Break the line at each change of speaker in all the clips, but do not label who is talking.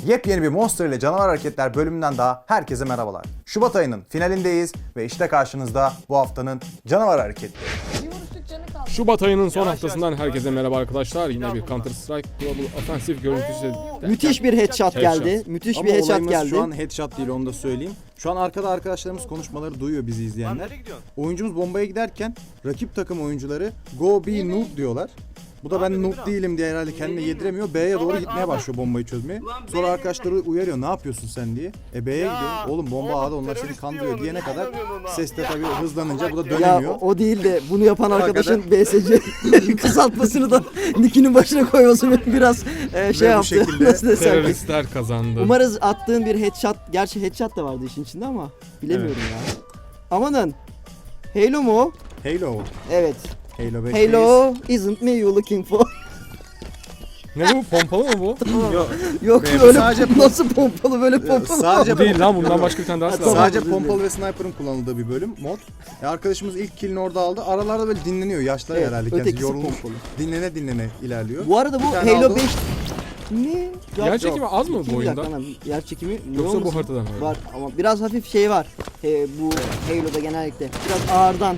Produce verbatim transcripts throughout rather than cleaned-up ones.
Yepyeni bir Monster ile Canavar Hareketler bölümünden daha herkese merhabalar. Şubat ayının finalindeyiz ve işte karşınızda bu haftanın Canavar Hareketleri.
Şubat ayının son haftasından herkese merhaba arkadaşlar. Yine bir Counter Strike Global Offensive görüntüsü.
Müthiş bir headshot geldi.
Headshot.
Müthiş
Ama
bir headshot
olayımız
geldi.
şu an headshot değil, onu da söyleyeyim. Şu an arkada arkadaşlarımız konuşmaları duyuyor, bizi izleyenler. Oyuncumuz bombaya giderken rakip takım oyuncuları go be noob diyorlar. Bu da ben noob değilim diye herhalde kendine yediremiyor. B'ye doğru gitmeye başlıyor bombayı çözmeye. Sonra arkadaşları uyarıyor, ne yapıyorsun sen diye. E B'ye gidiyor. Oğlum bomba A'da, onlar seni kandırıyor diyene kadar ses de tabii hızlanınca bu da
Ya
dönemiyor.
o, o değil de bunu yapan arkadaşın
Hakikaten.
B S C kısaltmasını da nickinin başına koyması beni biraz e, şey
Ve bu
yaptı.
şekilde
Nasıl desem ki.
Teröristler kazandı.
Umarız attığın bir headshot, gerçi headshot da vardı işin içinde ama bilemiyorum ya. Amanın. Halo mu o?
Halo.
Evet.
Halo beş.
Halo isn't me you looking for.
Ne bu, pompalı mı bu?
Yok.
Yok
Benim
öyle
sadece
pom- nasıl pompalı böyle pompalı.
Sadece
Bu değil lan, bundan başka bir tane daha
Ha,
silah var.
tamam.
Sadece
özür
pompalı ve sniper'ın kullanıldığı bir bölüm, mod. E arkadaşımız ilk killini orada aldı. Aralarda böyle dinleniyor. Yaşlı
Evet,
herhalde kendisi
ötekisi
yorulmuş.
pompalı.
Dinlene dinlene ilerliyor.
Bu arada bu
Bir tane
Halo
aldı.
beş ne?
Yer çekimi az mı bu
İki
oyunda?
dakika, yer çekimi ne
Yoksa bu
olmasın?
haritadan mı?
Var ama biraz hafif şey var. He, bu Halo'da genellikle biraz ağırdan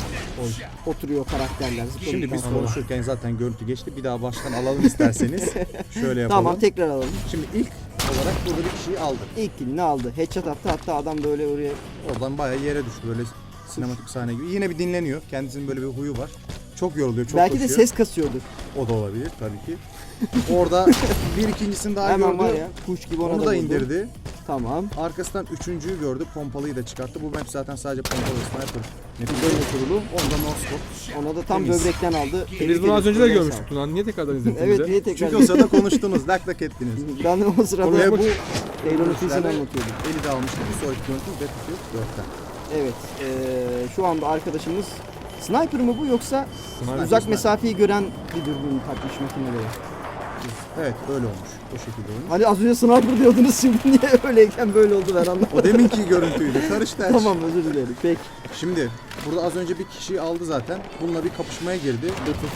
oturuyor karakterler.
Şimdi biz
zıpladıktan sonra.
konuşurken zaten görüntü geçti. Bir daha baştan alalım isterseniz. Şöyle yapalım.
Tamam, tekrar alalım.
Şimdi ilk olarak burada bir kişiyi aldık.
İlk killini aldı. Headshot attı, hatta adam böyle oraya
Oradan bayağı yere düştü, böyle sinematik sahne gibi. Yine bir dinleniyor. Kendisinin böyle bir huyu var. Çok yoruluyor, çok
belki de
koşuyor.
ses kasıyordur.
O da olabilir tabii ki. Orada bir ikincisini daha
Hemen
gördü.
var ya, kuş gibi ona
Onu
da
da
vurdu.
indirdi.
Tamam.
Arkasından üçüncüyü gördü. Pompalıyı da çıkarttı. Bu map zaten sadece pompalı sniper.
Böyle kurulu.
Onda no scope.
Ona da tam
Temiz.
böbrekten aldı.
Biz bunu az önce de görmüştük lan. Niye tekrardan izlediniz
Evet,
bize?
niye tekrar?
Çünkü o sırada konuştunuz, lak lak ettiniz.
Ben de o sırada
Ve
bu
bu
Halo'nun sesini
görüntülerde
anlatıyordum.
eli de almıştı. Bir sonraki görüntümüz Battlefield dörtten.
Evet. eee, şu anda arkadaşımız sniper mı bu, yoksa
Sniper,
uzak
sniper.
mesafeyi gören bir dürbün takmış makinelere?
Evet, öyle olmuş. O şekilde olmuş.
Hani az önce sniper diyordunuz, şimdi niye öyleyken böyle oldu, ben anlamadım.
O deminki görüntüydü. Karıştı her şey.
Tamam, özür dilerim. Peki.
Şimdi burada az önce bir kişiyi aldı zaten. Bununla bir kapışmaya girdi.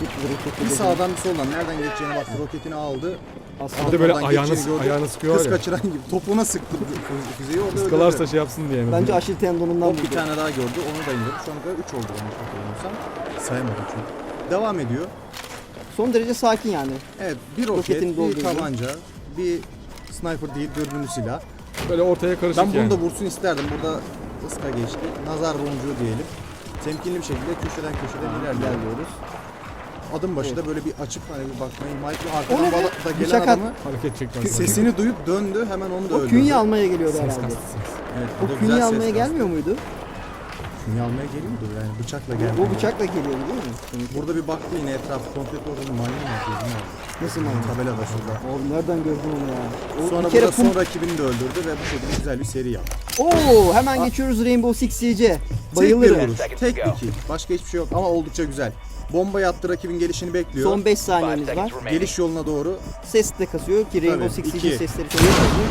Bir
Bir
sağdan bir soldan nereden geçeceğini baktı. Roketini aldı.
Aslında
Bir de böyle
Oradan
ayağını,
geçeceğini gördü.
ayağını sıkıyor
Kız
ya.
kaçıran gibi topuğuna sıktı fü- füzeyi, orada
Sıkılarsa
öldürdü.
şey yapsın diye mi?
bence Aşil tendonundan
O bir
vurdu.
tane daha gördü. Onu da indirdi. Şu ana kadar üç oldu yanlış hatırlamıyorsam. Sayamadım çünkü. Devam ediyor.
Son derece sakin yani.
Evet, bir roket,
Roketini
bir
doldurdu.
tabanca, bir sniper değil, dürbünlü silah.
Böyle ortaya karışık
Ben bunu
yani.
da vursun isterdim. Burada ıska geçti. Nazar boncuğu diyelim. Temkinli bir şekilde köşeden köşeden ilerliyor.
İlerliyoruz.
Adım başı da böyle bir açıp hani bir bakmayı, Mike arkadan
O ne be?
bala- da gelen
Bıçak
adamı
Hareket çekmez.
sesini duyup döndü, hemen onu da
O
öldürdü.
künye almaya geliyordu
Ses
herhalde.
kastı ses.
Evet, bu da
O
güzel
künye
ses
almaya
kastı.
gelmiyor muydu?
Künye almaya geliyordu yani, bıçakla geldi.
Bu bıçakla geliyordu değil mi?
Burada bir baktı yine etrafı komple orada maymun var. gözünü aldı.
Nasıl maymun?
Tabela da şurada.
Oğlum nereden gördün onu ya? O
Sonra
bir kere
burada
pum...
son rakibini de öldürdü ve bu şekilde güzel bir seri yaptı.
Oo, hemen geçiyoruz Rainbow Six Siege'e.
Tek bir
Bayılırım.
vuruş, tek bir kill. Başka hiçbir şey yok ama oldukça güzel. Bomba yattı, rakibin gelişini bekliyor.
Son beş saniyemiz var.
Geliş yoluna doğru.
Ses de kasıyor ki Rainbow
Tabii,
Six Siege'in
iki.
sesleri çok kasıyor.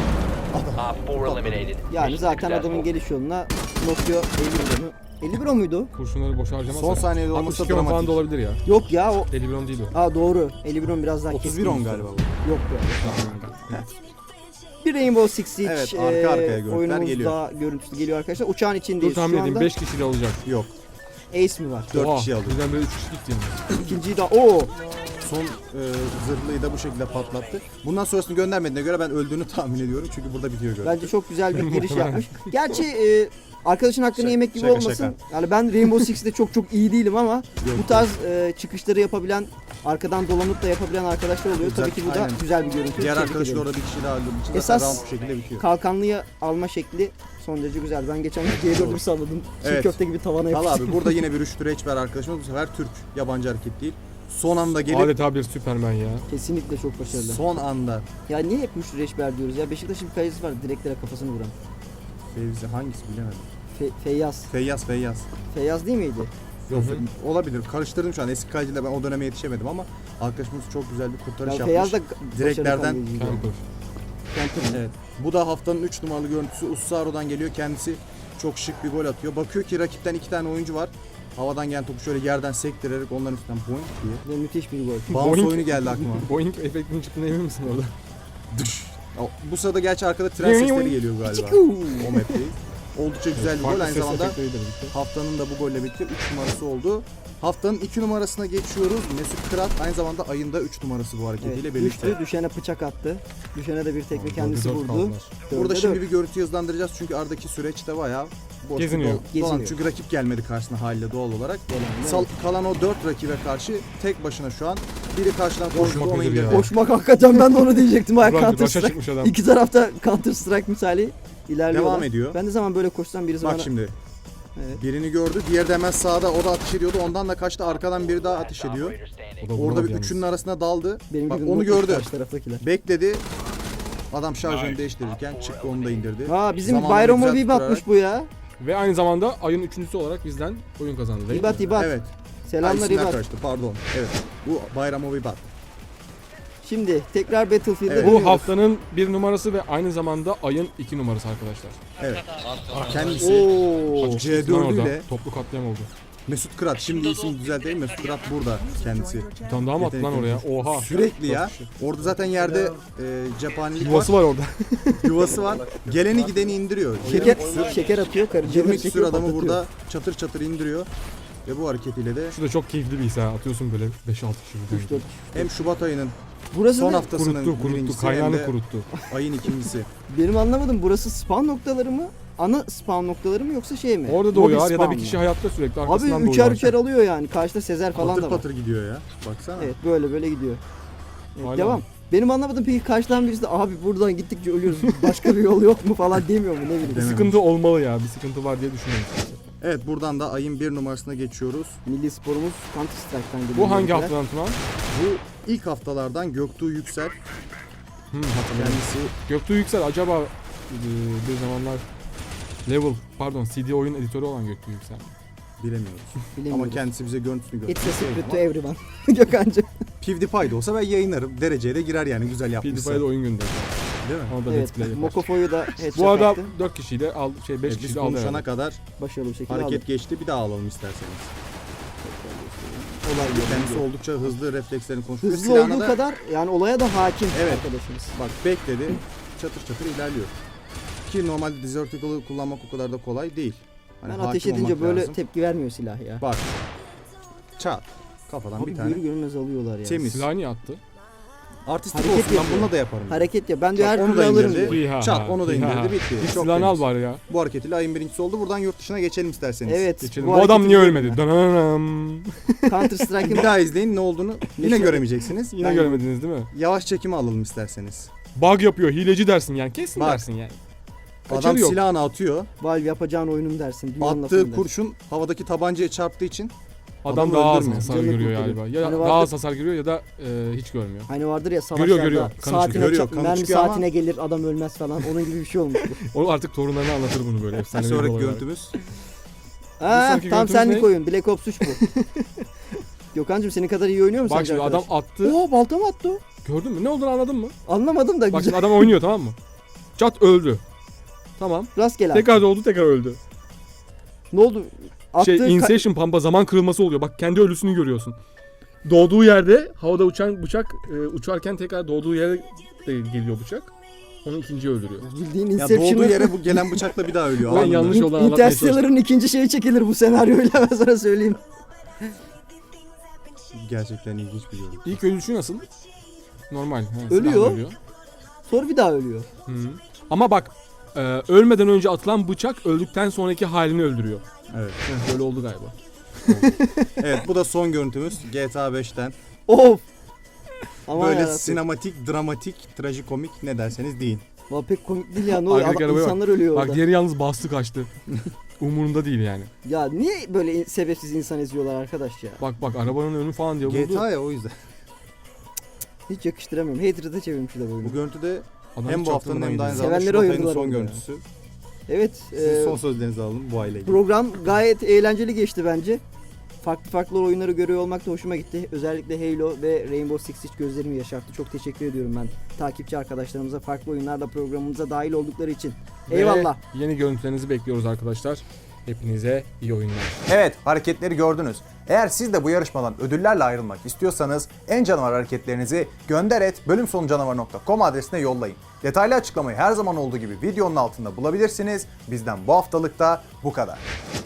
Op four eliminated.
Yani
Mission
zaten adamın
successful.
geliş yoluna Nokia elli bir onu. elli bir o muydu?
Kurşunları boşa harcamaz.
Son saniyede olması
altmış iki on falan
dramatik.
da olabilir ya.
Yok ya, o...
elli bir on değil o.
Aa doğru. elli bir on biraz daha
otuz
keskin.
bir on galiba bu.
Yok be. Bir Rainbow Six Siege
Evet, arka arkaya
eee,
görüntüler
oyunumuzda
geliyor.
görüntüsü geliyor arkadaşlar. Uçağın
Dur
içindeyiz
tahmin
şu
edeyim,
anda.
beş kişiyle olacak.
Yok.
Ace mi var?
Dört
Oha,
kişi aldı.
Birden böyle üç kişilik diyeyim.
İkinciyi de o.
Son e, zırhlıyı da bu şekilde patlattı. Bundan sonrasını göndermediğine göre ben öldüğünü tahmin ediyorum. Çünkü burada bitiyor görüntü.
Bence çok güzel bir giriş yapmış. Gerçi e, arkadaşın hakkını
Şaka-
yemek gibi
şaka,
olmasın.
şaka.
Yani ben Rainbow Six'te çok çok iyi değilim ama
Yok,
bu tarz e, çıkışları yapabilen, arkadan dolanıp da yapabilen arkadaşlar oluyor.
Güzel,
Tabii ki bu da
aynen.
güzel bir görüntü.
Diğer
Tebrik
arkadaşı da
ederim.
orada bir kişi daha öldürdüğü için
Esas-
zaten round bu şekilde bitiyor.
Kalkanlıyı alma şekli son derece güzel. Ben geçen gün G dördü salladım. Çiğ
Evet.
köfte gibi tavana
Valla
yapıştım.
abi burada yine bir rüştü reçber arkadaşımız. Bu sefer Türk. Yabancı hareket değil. Son anda gelip
Adeta bir Süpermen ya.
Kesinlikle çok başarılı.
son anda
Ya niye hep Müşri Reçber diyoruz ya? Beşiktaş'ın bir kalecisi var, direklere kafasını vuran.
Fevzi hangisi bilemedim.
Fe, Feyyaz.
Feyyaz Feyyaz.
Feyyaz değil miydi?
Yok, olabilir. Karıştırdım şu an. Eski kaleciyle ben o döneme yetişemedim ama arkadaşımız çok güzel bir kurtarış
Ya
yapmış.
Feyyaz da
Direklerden-
başarılı kaleciydi.
Camper.
Camper.
Evet. Bu da haftanın üç numaralı görüntüsü. Ussaro'dan geliyor. Kendisi çok şık bir gol atıyor. Bakıyor ki rakipten iki tane oyuncu var. Havadan gelen topu şöyle yerden sektirerek onların üstünden boing diye.
Ve müthiş bir gol.
Bounce
Boing-
oyunu geldi aklıma.
Boeing efektinin çıktığına emin misin orada?
Düş O- Bu sırada gerçi arkada tren sesleri geliyor galiba. O map'teyiz. Oldukça güzel bir gol.
Farklı
Aynı
ses
zamanda
efektleriyle birlikte.
haftanın da bu golle birlikte üç numarası oldu. Haftanın iki numarasına geçiyoruz. Mesut Kırat aynı zamanda ayında üç numarası bu hareketiyle
Evet,
birlikte.
düştü, düşene bıçak attı. Düşene de bir tekme kendisi
Dört
vurdu.
kaldılar.
Dörde
Burada
dört.
şimdi bir görüntü hızlandıracağız çünkü aradaki süreçte bayağı boş
Geziniyor.
dolan- dolan.
Geziniyor.
Çünkü rakip gelmedi karşısına haliyle doğal olarak.
Gelen,
Sal- kalan o dört rakibe karşı tek başına şu an biri karşıdan koştu
Koşmak
onu
nedir
indirdi.
ya?
Koşmak hakikaten ben de onu diyecektim. Ha,
Burak
Counter
başa
Strike.
çıkmış adam.
İki tarafta Counter Strike misali ilerliyorlar.
Devam ediyor.
Ben ne zaman böyle koşsam birisi
Bak
bana...
şimdi
Evet.
birini gördü. Diğeri de hemen sağda o da ateş ediyordu. Ondan da kaçtı. Arkadan biri daha ateş ediyor.
Operator standing.
O da
Orada
vuramadı
bir
yalnız.
üçünün arasına daldı.
Benim
Bak
gibi
onu
mutlu
gördü.
karşı taraftakiler.
Bekledi. Adam şarjını değiştirirken çıktı onu da indirdi.
Ha bizim
Zamanını
Bayram'a
güzel
bir batmış
tutturarak-
bu ya.
Ve aynı zamanda ayın üçüncüsü olarak bizden oyun kazandı değil mi?
İbat İbat.
Evet.
Selamlar
Ay, isimler
İbat.
karıştı pardon. Evet. Bu Bayramovi Bat.
Şimdi tekrar Battlefield'e
Evet.
Bu
dönüyoruz.
haftanın bir numarası ve aynı zamanda ayın iki numarası arkadaşlar.
Evet. Kendisi
Oo.
C
Lan orada
dört ile
toplu katliam oldu.
Mesut Kırat. Şimdi isim düzelteyim. Mesut Kırat burada kendisi.
Bir tane daha mı attı lan oraya? Oha.
Sürekli ya. Orada zaten yerde e, cephanelik
Yuvası
var.
var orada.
Yuvası var. Geleni gideni indiriyor.
Şeker,
yirmi küsür,
şeker atıyor. Karıcığına
yirmi
şeker
küsür adamı
patlatıyor.
burada çatır çatır indiriyor. Ve bu hareketiyle de
Şu da çok keyifli bir his ha. Atıyorsun böyle beş altı kişi birden.
Üç, dört.
hem Şubat ayının
Burası
son
ne?
haftasının
Kuruttu kuruttu.
birincisi hem
Kaynağını
de
kuruttu.
ayın ikincisi.
Benim anlamadım. Burası spawn noktaları mı? Ana spawn noktaları mı yoksa şey mi?
Orada
Mobil
doğuyor ya da
spawn
bir
mı?
kişi hayatta sürekli
Abi
arkasından doğuyor.
üçer üçer alıyor yani. Karşıda Sezer falan
Patır
da var.
patır gidiyor ya. Baksana.
Evet böyle böyle gidiyor. Evet,
Hala
devam.
mı?
Benim anlamadım peki karşıdan birisi de abi buradan gittikçe ölüyoruz. Başka bir yol yok mu falan demiyor mu ne bileyim.
Dememiş.
Sıkıntı olmalı ya. Bir sıkıntı var diye düşünüyorum.
Evet buradan da ayın bir numarasına geçiyoruz.
Milli sporumuz Counter Strike'tan geliyor.
Bu hangi
bizimkiler.
haftadan Tuna?
Bu ilk haftalardan Göktuğ Yüksel
Hmm, hatırlıyorum.
kendisi
Göktuğ Yüksel acaba e, bir zamanlar Level pardon C D oyun editörü olan Göktuğ Yüksel.
bilemiyoruz.
Bilemiyorum.
Ama kendisi bize görüntüsünü
It's a
gösterdi.
secret to everyone. Gökhan'cığım.
PewDiePie'de olsa ben yayınlarım. Dereceye de girer yani güzel yapmışsa.
PewDiePie'de oyun gönderdi.
Değil mi?
Onu da
Evet.
let's play yapar.
Mokofo'yu da headshot
Bu arada
attı.
dört kişiyle al şey beş
Evet, biz
kişiyle aldı
konuşana
herhalde.
kadar
Başarılı bir şekilde
hareket
aldı.
geçti. Bir daha alalım isterseniz.
Olay
Kendisi
yerinde.
oldukça hızlı reflekslerini konuşuyor.
Hızlı
Silahına
olduğu
da-
kadar yani olaya da hakim
Evet.
arkadaşımız.
Bak bekledi. Çatır çatır ilerliyor. Ki normalde Desertical'ı kullanmak o kadar da kolay değil. Hani
Ben
hakim
ateş edince
olmak
böyle
lazım.
tepki vermiyor silah ya.
Bak. Çat. Kafadan
Abi
bir tane.
görür görmez alıyorlar ya.
Temiz.
Silahı niye attı?
Artistik
Hareket
olsun ben
yapıyor.
bununla da yaparım.
Hareket ya. Ben diyor
Bak,
her
onu
türlü
da
alırım
indirdi.
diyor.
Hiha,
Çat, onu da
hiha.
indirdi, bitti.
Git
Çok
silahını al
temiz.
bari ya.
Bu hareketiyle ayın birincisi oldu. Buradan yurt dışına geçelim isterseniz.
Evet.
Geçelim.
bu
Bu adam
hareketi
niye
görüyorum
ölmedi?
ben.
Dananam.
Counter Strike'ın
Bir daha izleyin ne olduğunu yine
Yaşa-
göremeyeceksiniz.
Yine
Ben
görmediniz değil mi?
Yavaş çekimi alalım isterseniz.
Bug yapıyor, hileci dersin yani. Kesin
Bak.
dersin yani.
Adam
Kaçarı yok.
silahını atıyor.
Valve yapacağın oyunun dersin. dünyanın lafını
Attığı
dersin.
kurşun havadaki tabancaya çarptığı için
Adam
adamı
daha az
öldürmüyor.
hasar
Canını
görüyor
kurtarıyor.
galiba. Ya
Hani
daha
vardı-
az hasar görüyor ya da e, hiç görmüyor.
Hani vardır ya savaşlarda
Görüyor, görüyor. Kanı
saatine
çıkıyor. Görüyor,
ça-
kanı
mermi
çıkıyor ama-
saatine gelir adam ölmez falan. Onun gibi bir şey olmuş.
O artık torunlarına anlatır bunu böyle
bir
efsane bir
sonraki
olay olarak.
görüntümüz.
Ha,
sonraki
tam
görüntümüz
senlik
ne?
oyun. Black Ops üç bu. Gökhan'cığım senin kadar iyi oynuyor mu
Bak
sence
şimdi adam
arkadaş?
attı.
Oo balta mı attı o?
Gördün mü? Ne olduğunu anladın mı?
Anlamadım da
Bak
güzel.
şimdi adam oynuyor tamam mı? Çat öldü. Tamam.
Rastgele attı.
Tekrar doğdu tekrar öldü.
Ne oldu? Attığı
Şey
ka-
Inception Pampa zaman kırılması oluyor. Bak kendi ölüsünü görüyorsun. Doğduğu yerde havada uçan bıçak e, uçarken tekrar doğduğu yere de geliyor bıçak. Onu ikinciyi öldürüyor.
bildiğin
Ya
Inception'ı.
doğduğu yere bu gelen bıçakla bir daha ölüyor.
Ben
anladın mı?
yanlış yoldan anlatmaya çalıştım.
Interstellar'ın ikinci şeyi çekilir bu senaryoyla ben sana söyleyeyim.
Gerçekten ilginç bir görüntü.
İlk ölüşü nasıl? Normal. he,
Ölüyor.
silahla ölüyor.
Sonra bir daha ölüyor.
Hı. Ama bak e, ölmeden önce atılan bıçak öldükten sonraki halini öldürüyor.
Evet.
Heh, Böyle oldu galiba.
Evet bu da son görüntümüz G T A beşten.
Of. Aman
Böyle
yarabbim.
sinematik, dramatik, trajikomik ne derseniz deyin.
Valla pek komik değil ya ne oluyor?
Arkadaki
Adam-
arabaya bak.
İnsanlar ölüyor
Bak
orada.
diğeri yalnız bastı kaçtı. Umurunda değil yani.
Ya niye böyle in- sebepsiz insan eziyorlar arkadaş ya?
Bak bak arabanın önü falan diye
G
vurdu.
T A ya o yüzden.
Hiç yakıştıramıyorum. Hater'ı çevirmişler
Bu
oyunu.
görüntüde
Adam
hem
hiç
bu haftanın hem de aynı
çaktırmaydı.
zamanda
Sevenleri
Şubat ayının
ayırdılar
son
orada ya.
görüntüsü.
Evet.
Sizin
e,
son sözlerinizi alalım bu aileyle.
program gayet eğlenceli geçti bence. Farklı farklı oyunları görüyor olmak da hoşuma gitti. Özellikle Halo ve Rainbow Six Siege gözlerimi yaşarttı. Çok teşekkür ediyorum ben takipçi arkadaşlarımıza farklı oyunlarda programımıza dahil oldukları için.
Ve
Eyvallah.
Yeni görüntülerinizi bekliyoruz arkadaşlar. Hepinize iyi oyunlar.
Evet, hareketleri gördünüz. Eğer siz de bu yarışmadan ödüllerle ayrılmak istiyorsanız en canavar hareketlerinizi gönder et bölümsonucanavar nokta com adresine yollayın. Detaylı açıklamayı her zaman olduğu gibi videonun altında bulabilirsiniz. Bizden bu haftalık da bu kadar.